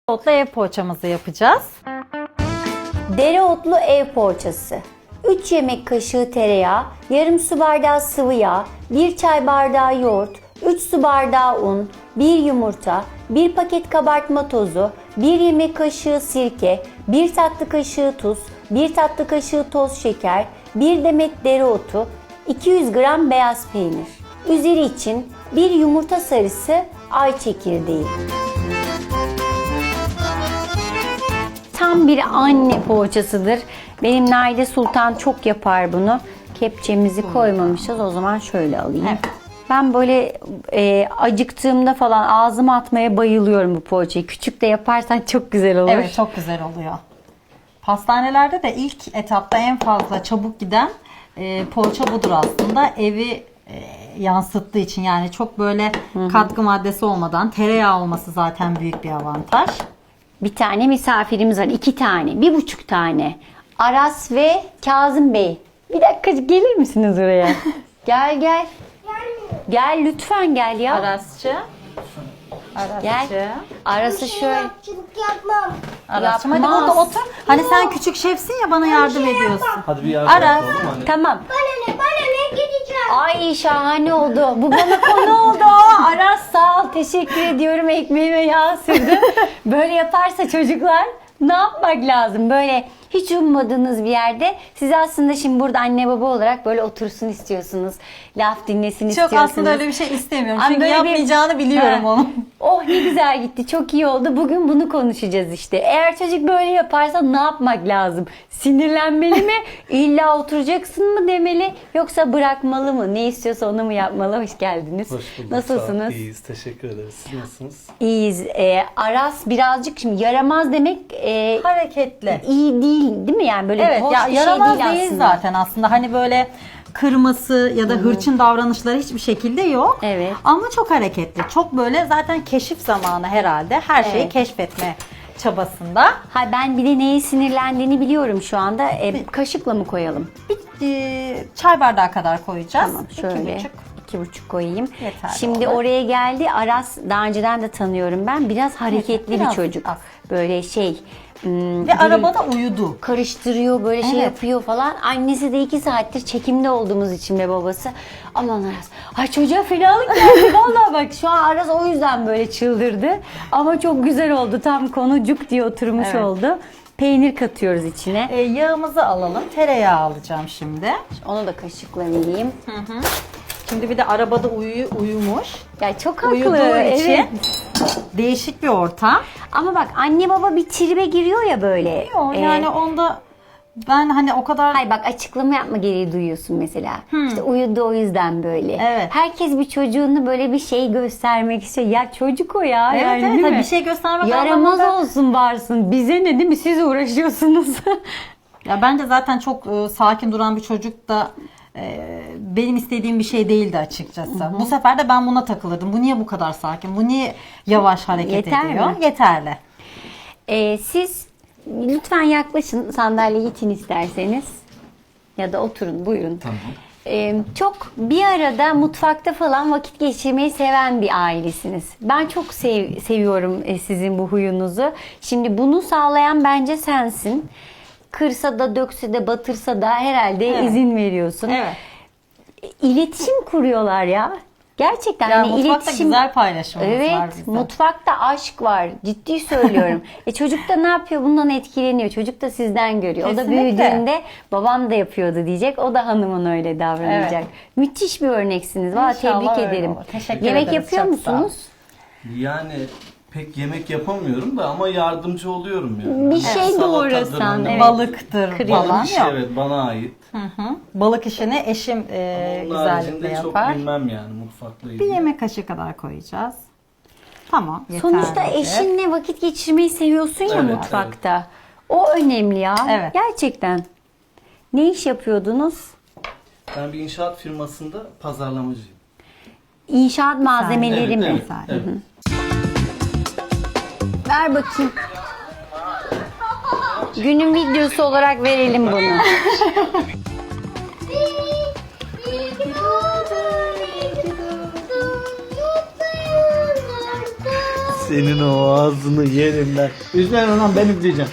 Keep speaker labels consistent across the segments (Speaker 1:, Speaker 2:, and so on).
Speaker 1: Dereotlu ev poğaçamızı yapacağız.
Speaker 2: Dereotlu ev poğaçası. 3 yemek kaşığı tereyağı, yarım su bardağı sıvı yağ, 1 çay bardağı yoğurt, 3 su bardağı un, 1 yumurta, 1 paket kabartma tozu, 1 yemek kaşığı sirke, 1 tatlı kaşığı tuz, 1 tatlı kaşığı toz şeker, 1 demet dereotu, 200 gram beyaz peynir. Üzeri için 1 yumurta sarısı, ay çekirdeği. Tam bir anne poğaçasıdır. Benim Naide Sultan çok yapar bunu. Kepçemizi koymamışız. O zaman şöyle alayım.
Speaker 1: Evet.
Speaker 2: Ben böyle acıktığımda falan ağzıma atmaya bayılıyorum bu poğaçayı. Küçük de yaparsan çok güzel olur.
Speaker 1: Evet, çok güzel oluyor. Pastanelerde de ilk etapta en fazla çabuk giden poğaça budur aslında. Evi yansıttığı için, yani çok böyle katkı maddesi olmadan, tereyağı olması zaten büyük bir avantaj.
Speaker 2: Bir tane misafirimiz var. 2 tane. 1,5 tane. Aras ve Kazım Bey. Bir dakika gelir misiniz oraya? Gel gel. Gel lütfen gel ya.
Speaker 1: Arasçı.
Speaker 2: Gel. Aras'ı şöyle.
Speaker 3: Yapçılık yapmam.
Speaker 1: Arasçım, hadi
Speaker 2: Yapmaz.
Speaker 1: burada otur. Hani sen küçük şefsin ya, bana yardım ediyorsun.
Speaker 4: Hadi bir yardım
Speaker 1: Aras.
Speaker 4: yapalım hani.
Speaker 2: Tamam.
Speaker 3: Bana ne gideceğim?
Speaker 2: Ay şahane oldu. Bu bana konu oldu. Aras sağ ol. Teşekkür ediyorum. Ekmeğime yağ sürdüm. Böyle yaparsa çocuklar ne yapmak lazım? Böyle hiç ummadığınız bir yerde siz aslında şimdi burada anne baba olarak böyle otursun istiyorsunuz. Laf dinlesin
Speaker 1: Çok
Speaker 2: istiyorsunuz.
Speaker 1: aslında öyle bir şey istemiyorum.
Speaker 2: Ama
Speaker 1: Çünkü
Speaker 2: böyle bir-
Speaker 1: yapmayacağını biliyorum
Speaker 2: Ha.
Speaker 1: onu.
Speaker 2: Oh ne güzel gitti. Çok iyi oldu. Bugün bunu konuşacağız işte. Eğer çocuk böyle yaparsa ne yapmak lazım? Sinirlenmeli mi? İlla oturacaksın mı demeli? Yoksa bırakmalı mı? Ne istiyorsa onu mu yapmalı? Hoş geldiniz.
Speaker 4: Hoş bulduk.
Speaker 2: Nasılsınız?
Speaker 4: Sağ ol, İyiyiz. Teşekkür ederiz. Siz nasılsınız?
Speaker 2: İyiyiz. Aras birazcık şimdi yaramaz demek
Speaker 1: Hareketli.
Speaker 2: iyi değil mi? Yani böyle
Speaker 1: Evet
Speaker 2: hoş
Speaker 1: ya,
Speaker 2: bir
Speaker 1: yaramaz
Speaker 2: şey değil
Speaker 1: değil
Speaker 2: aslında.
Speaker 1: zaten aslında. Hani böyle kırması ya da hırçın davranışları hiçbir şekilde yok.
Speaker 2: Evet.
Speaker 1: Ama çok hareketli. Çok böyle zaten keşif zamanı herhalde. Her şeyi
Speaker 2: Evet.
Speaker 1: keşfetme çabasında.
Speaker 2: Ha ben bir de neye sinirlendiğini biliyorum şu anda. Kaşıkla mı koyalım?
Speaker 1: Bir çay bardağı kadar koyacağız.
Speaker 2: Tamam şöyle
Speaker 1: 2,5.
Speaker 2: 2,5 koyayım.
Speaker 1: Yeterli
Speaker 2: Şimdi
Speaker 1: olur.
Speaker 2: oraya geldi. Aras daha önceden de tanıyorum ben. Biraz hareketli bir
Speaker 1: biraz
Speaker 2: çocuk.
Speaker 1: az.
Speaker 2: Böyle şey.
Speaker 1: Ve arabada uyudu.
Speaker 2: Karıştırıyor böyle şey
Speaker 1: Evet.
Speaker 2: yapıyor falan. Annesi de 2 saattir çekimde olduğumuz için ve babası. Aman Aras. Ay çocuğa fenalık geldi. Vallahi bak şu an Aras o yüzden böyle çıldırdı. Ama çok güzel oldu. Tam konu cuk diye oturmuş
Speaker 1: Evet.
Speaker 2: oldu. Peynir katıyoruz içine.
Speaker 1: Yağımızı alalım. Tereyağı alacağım şimdi.
Speaker 2: Onu da kaşıkla vereyim.
Speaker 1: Şimdi bir de arabada uyumuş.
Speaker 2: Ya çok haklı.
Speaker 1: Uyuduğu için
Speaker 2: Evet.
Speaker 1: değişik bir ortam.
Speaker 2: Ama bak anne baba bir tribe giriyor ya böyle.
Speaker 1: Yok yani onda ben hani o kadar
Speaker 2: Hayır bak açıklama yapma gereği duyuyorsun mesela. İşte uyudu o yüzden böyle.
Speaker 1: Evet.
Speaker 2: Herkes bir çocuğunu böyle bir şey göstermek istiyor. Ya çocuk o ya.
Speaker 1: Evet,
Speaker 2: yani,
Speaker 1: evet,
Speaker 2: değil
Speaker 1: tabii
Speaker 2: mi?
Speaker 1: bir şey göstermek
Speaker 2: Yaramaz
Speaker 1: anlamında-
Speaker 2: olsun varsın. Bize ne değil mi? Siz uğraşıyorsunuz.
Speaker 1: Ya bence zaten çok sakin duran bir çocuk da benim istediğim bir şey değildi açıkçası. Bu sefer de ben buna takılırdım. Bu niye bu kadar sakin? Bu niye yavaş hareket
Speaker 2: Yeter
Speaker 1: ediyor?
Speaker 2: mi?
Speaker 1: Yeterli.
Speaker 2: Siz lütfen yaklaşın sandalyeye itin isterseniz. Ya da oturun buyurun.
Speaker 4: Tamam.
Speaker 2: Çok bir arada mutfakta falan vakit geçirmeyi seven bir ailesiniz. Ben çok seviyorum sizin bu huyunuzu. Şimdi bunu sağlayan bence sensin. Kırsa da dökse de batırsa da herhalde
Speaker 1: Evet.
Speaker 2: izin veriyorsun.
Speaker 1: Evet.
Speaker 2: İletişim kuruyorlar ya. Gerçekten
Speaker 1: Ya
Speaker 2: hani
Speaker 1: mutfakta
Speaker 2: iletişim.
Speaker 1: güzel paylaşımımız
Speaker 2: Evet,
Speaker 1: var bizim.
Speaker 2: mutfakta aşk var. Ciddi söylüyorum. Çocuk da ne yapıyor? Bundan etkileniyor. Çocuk da sizden görüyor. O da
Speaker 1: Kesinlikle.
Speaker 2: büyüdüğünde babam da yapıyordu diyecek. O da hanımın öyle davranacak.
Speaker 1: Evet.
Speaker 2: Müthiş bir örneksiniz. Valla
Speaker 1: İnşallah
Speaker 2: tebrik
Speaker 1: öyle
Speaker 2: ederim.
Speaker 1: olur. Teşekkür
Speaker 2: Yemek
Speaker 1: ederiz.
Speaker 2: yapıyor
Speaker 1: Çok sağ ol.
Speaker 2: musunuz?
Speaker 4: Yani pek yemek yapamıyorum da ama yardımcı oluyorum yani.
Speaker 2: Bir şey
Speaker 4: Salatadır,
Speaker 2: doğrasan,
Speaker 4: hani
Speaker 2: evet.
Speaker 1: Balıktır
Speaker 2: Kırıyor.
Speaker 1: falan
Speaker 4: Balık işi
Speaker 1: yok.
Speaker 4: evet bana ait.
Speaker 1: Balık işini eşim
Speaker 4: Onun
Speaker 1: güzellikle
Speaker 4: haricinde çok
Speaker 1: yapar.
Speaker 4: bilmem yani mutfakla
Speaker 1: Bir
Speaker 4: ilgili.
Speaker 1: yemek kaşığı kadar koyacağız. Tamam, yeterli.
Speaker 2: Sonuçta eşinle vakit geçirmeyi seviyorsun ya
Speaker 4: Evet,
Speaker 2: mutfakta. O önemli ya.
Speaker 1: Evet.
Speaker 2: Gerçekten. Ne iş yapıyordunuz?
Speaker 4: Ben bir inşaat firmasında pazarlamacıyım.
Speaker 2: İnşaat malzemeleri mi?
Speaker 4: Evet, evet.
Speaker 2: Ver bakayım. Günün videosu olarak verelim bunu.
Speaker 3: İyi ki doğdun, iyi ki doğdun, mutlu yıllar.
Speaker 4: Senin o ağzını yerim ben. Üzme lan, ben üfleyeceğim.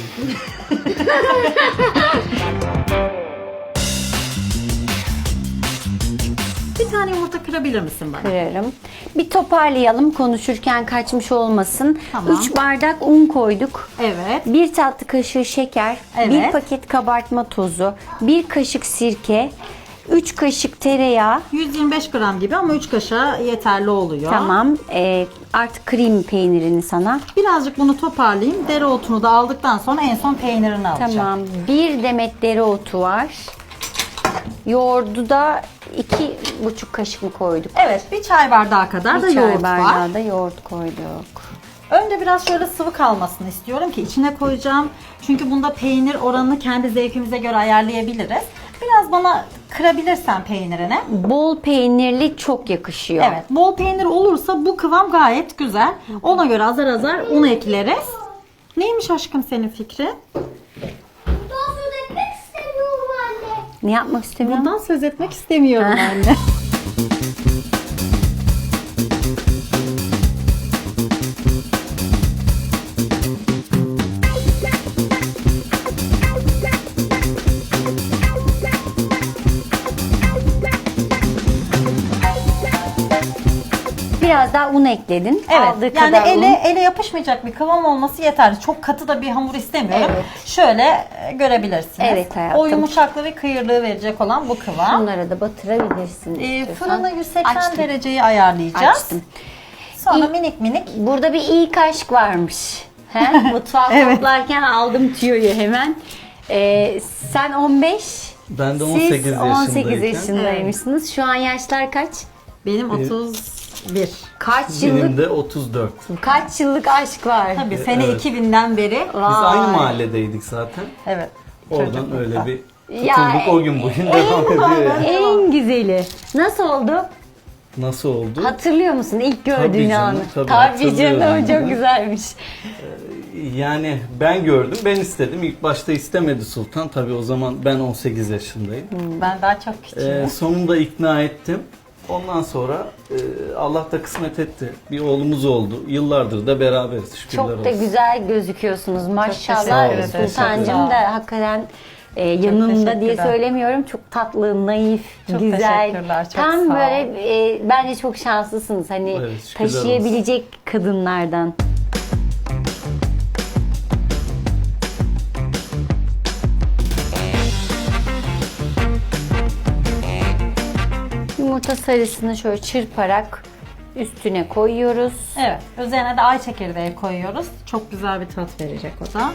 Speaker 1: Bir tane yumurta kırabilir misin bana?
Speaker 2: Kırarım. Bir toparlayalım konuşurken kaçmış olmasın.
Speaker 1: Tamam.
Speaker 2: 3 bardak un koyduk.
Speaker 1: Evet.
Speaker 2: 1 tatlı kaşığı şeker,
Speaker 1: Evet.
Speaker 2: 1 paket kabartma tozu, 1 kaşık sirke, 3 kaşık tereyağı.
Speaker 1: 125 gram gibi ama 3 kaşığa yeterli oluyor.
Speaker 2: Tamam. Artık kırayım peynirini sana.
Speaker 1: Birazcık bunu toparlayayım. Dereotunu da aldıktan sonra en son peynirini alacağım.
Speaker 2: Tamam. 1 demet dereotu var. Yoğurdu da 2,5 kaşık mı koyduk?
Speaker 1: Evet, bir çay bardağı kadar da
Speaker 2: Bir çay
Speaker 1: yoğurt var.
Speaker 2: bardağı da yoğurt koyduk.
Speaker 1: Önce biraz şöyle sıvı kalmasını istiyorum ki içine koyacağım. Çünkü bunda peynir oranını kendi zevkimize göre ayarlayabiliriz. Biraz bana kırabilirsen peynirini.
Speaker 2: Bol peynirli çok yakışıyor.
Speaker 1: Evet, bol peynir olursa bu kıvam gayet güzel. Ona göre azar azar un ekleriz. Neymiş aşkım senin fikrin?
Speaker 3: Daha söz etmek istemiyorum anne.
Speaker 2: Ne yapmak istemiyorum?
Speaker 1: Bundan söz etmek istemiyorum anne.
Speaker 2: Biraz daha un ekledin.
Speaker 1: Evet,
Speaker 2: Aldığı
Speaker 1: yani
Speaker 2: kadar un.
Speaker 1: ele yapışmayacak bir kıvam olması yeterli. Çok katı da bir hamur istemiyorum.
Speaker 2: Evet.
Speaker 1: Şöyle görebilirsiniz.
Speaker 2: Evet hayatım.
Speaker 1: O yumuşaklığı ve kıyırlığı verecek olan bu kıvam.
Speaker 2: Bunları da batırabilirsin. istiyorsan.
Speaker 1: Fırını 180
Speaker 2: Açtım.
Speaker 1: dereceyi ayarlayacağız.
Speaker 2: Açtım.
Speaker 1: Sonra
Speaker 2: İlk-
Speaker 1: minik minik.
Speaker 2: Burada bir iyi kaşık varmış. He? Mutfağı
Speaker 1: Evet.
Speaker 2: toplarken aldım tüyoyu hemen. Sen 15,
Speaker 4: Ben de 18
Speaker 2: siz 18
Speaker 4: yaşındayken.
Speaker 2: yaşındaymışsınız. Şu an yaşlar kaç?
Speaker 1: Benim 31.
Speaker 2: Kaç
Speaker 4: Benim
Speaker 2: yıllık
Speaker 4: de 34.
Speaker 2: kaç yıllık aşk var?
Speaker 1: Tabii sene
Speaker 4: Evet.
Speaker 1: 2000'den beri.
Speaker 4: Biz aynı mahalledeydik zaten.
Speaker 1: Evet.
Speaker 4: Oradan
Speaker 1: çocuklukta.
Speaker 4: öyle bir
Speaker 2: Ya,
Speaker 4: tutulduk, o gün bugün devam ediyor. Yani.
Speaker 2: En güzeli. Nasıl oldu?
Speaker 4: Nasıl oldu?
Speaker 2: Hatırlıyor musun ilk
Speaker 4: Tabii
Speaker 2: gördüğün
Speaker 4: canım,
Speaker 2: anı?
Speaker 4: tabii
Speaker 2: canım,
Speaker 4: hatırlıyorum
Speaker 2: çok
Speaker 4: ben.
Speaker 2: güzelmiş.
Speaker 4: Yani ben gördüm, ben istedim. İlk başta istemedi Sultan. Tabii o zaman ben 18 yaşındayım.
Speaker 1: Ben daha çok küçüğüm.
Speaker 4: Sonunda ikna ettim. Ondan sonra Allah da kısmet etti. Bir oğlumuz oldu. Yıllardır da beraberiz. Şükürler
Speaker 2: Çok da
Speaker 4: olsun.
Speaker 2: güzel gözüküyorsunuz. Maşallah
Speaker 1: teşekkür ederim.
Speaker 2: Sultancığım
Speaker 1: Teşekkür ederim.
Speaker 2: da hakikaten yanımda diye
Speaker 1: teşekkürler.
Speaker 2: söylemiyorum. Çok tatlı, naif,
Speaker 1: Çok
Speaker 2: güzel.
Speaker 1: teşekkürler, çok
Speaker 2: Tam
Speaker 1: sağ ol.
Speaker 2: böyle bence çok şanslısınız. Hani
Speaker 4: Evet, şükürler
Speaker 2: taşıyabilecek kadınlardan. Yumurta sarısını şöyle çırparak üstüne koyuyoruz.
Speaker 1: Evet. Üzerine de ay çekirdeği koyuyoruz. Çok güzel bir tat verecek o da.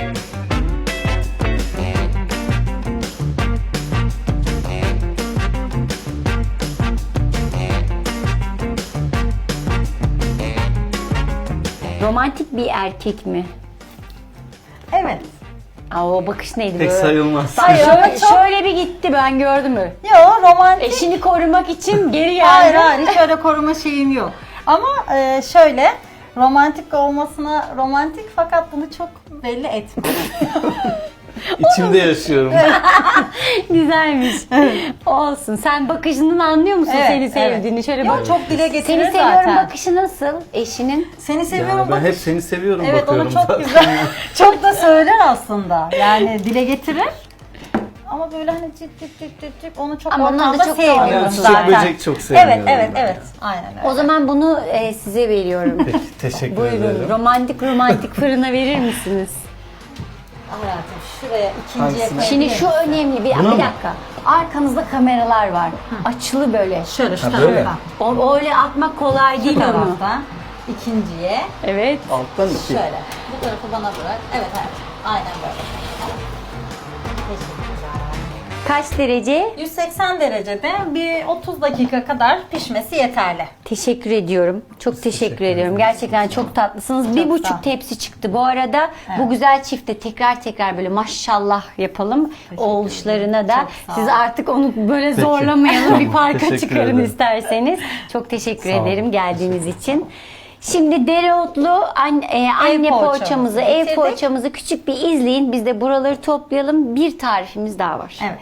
Speaker 2: Romantik bir erkek mi?
Speaker 1: Evet.
Speaker 2: Aa, o bakış neydi
Speaker 4: Pek
Speaker 2: böyle?
Speaker 4: sayılmaz.
Speaker 2: Hayır,
Speaker 1: Şöyle çok-
Speaker 2: şöyle bir gitti, ben gördüm mü?
Speaker 1: Yo, romantik.
Speaker 2: Eşini korumak için geri geldi.
Speaker 1: Hayır hiç öyle koruma şeyim yok. Ama şöyle romantik olmasına romantik fakat bunu çok belli etme.
Speaker 4: İçimde yaşıyorum.
Speaker 2: Güzelmiş. Olsun. Sen bakışından anlıyor musun
Speaker 1: Evet,
Speaker 2: seni sevdiğini? Şöyle
Speaker 1: Yok,
Speaker 2: bak.
Speaker 1: çok dile getirir
Speaker 2: Seni seviyorum
Speaker 1: zaten.
Speaker 2: bakışı nasıl eşinin?
Speaker 1: Seni seviyorum
Speaker 4: Yani ben
Speaker 1: bak.
Speaker 4: hep seni seviyorum
Speaker 1: Evet
Speaker 4: bakıyorum
Speaker 1: onu çok
Speaker 4: zaten.
Speaker 1: güzel. Çok da söyler aslında. Yani dile getirir. Ama böyle hani cik cik cik cik cik onu çok
Speaker 2: Ama onları da
Speaker 1: ortamda
Speaker 2: çok
Speaker 1: sevmiyorum
Speaker 2: seviyorum.
Speaker 4: Çiçek
Speaker 1: zaten.
Speaker 4: böcek çok seviyorum.
Speaker 1: Evet evet
Speaker 4: ben.
Speaker 1: evet. Aynen öyle.
Speaker 2: O zaman bunu size veriyorum.
Speaker 4: Peki, teşekkür
Speaker 2: Buyurun.
Speaker 4: ederim.
Speaker 2: Romantik fırına verir misiniz?
Speaker 1: Hayatım şuraya ikinciye
Speaker 4: Hangisini?
Speaker 2: Şimdi şu önemli. Bir dakika. Arkanızda kameralar var. Açılı böyle.
Speaker 1: şöyle şu
Speaker 4: Ha, böyle.
Speaker 1: taraftan.
Speaker 2: O öyle atmak kolay
Speaker 1: Şu
Speaker 2: değil onu.
Speaker 1: taraftan. İkinciye.
Speaker 2: Evet.
Speaker 4: Alttan iki.
Speaker 1: Şöyle. Bu tarafı bana bırak. Evet hayatım. Aynen böyle. Teşekkürler.
Speaker 2: Kaç derece?
Speaker 1: 180 derecede bir 30 dakika kadar pişmesi yeterli.
Speaker 2: Teşekkür ediyorum. Çok teşekkür ediyorum. Gerçekten çok tatlısınız.
Speaker 1: Çok
Speaker 2: Bir
Speaker 1: sağ
Speaker 2: buçuk
Speaker 1: ol.
Speaker 2: tepsi çıktı. Bu arada bu güzel çifte tekrar böyle maşallah yapalım. Oğullarına da.
Speaker 1: Çok sağ ol.
Speaker 2: Siz artık onu böyle
Speaker 4: Peki.
Speaker 2: zorlamayalım. Bir parka
Speaker 4: Teşekkür
Speaker 2: çıkarın
Speaker 4: ederim.
Speaker 2: isterseniz. Çok teşekkür
Speaker 4: Sağ ol.
Speaker 2: ederim geldiğiniz için. Şimdi dereotlu anne
Speaker 1: poğaçamızı
Speaker 2: poğaçamızı, ev
Speaker 1: getirdik.
Speaker 2: poğaçamızı küçük bir izleyin. Biz de buraları toplayalım. Bir tarifimiz daha var.
Speaker 1: Evet.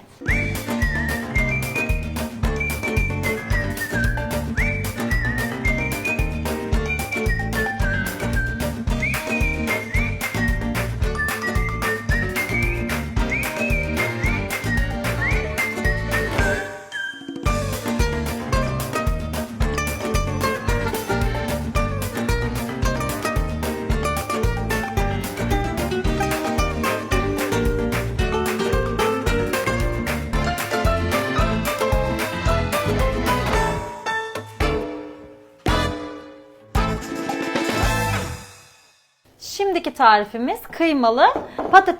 Speaker 1: Şimdiki tarifimiz kıymalı patates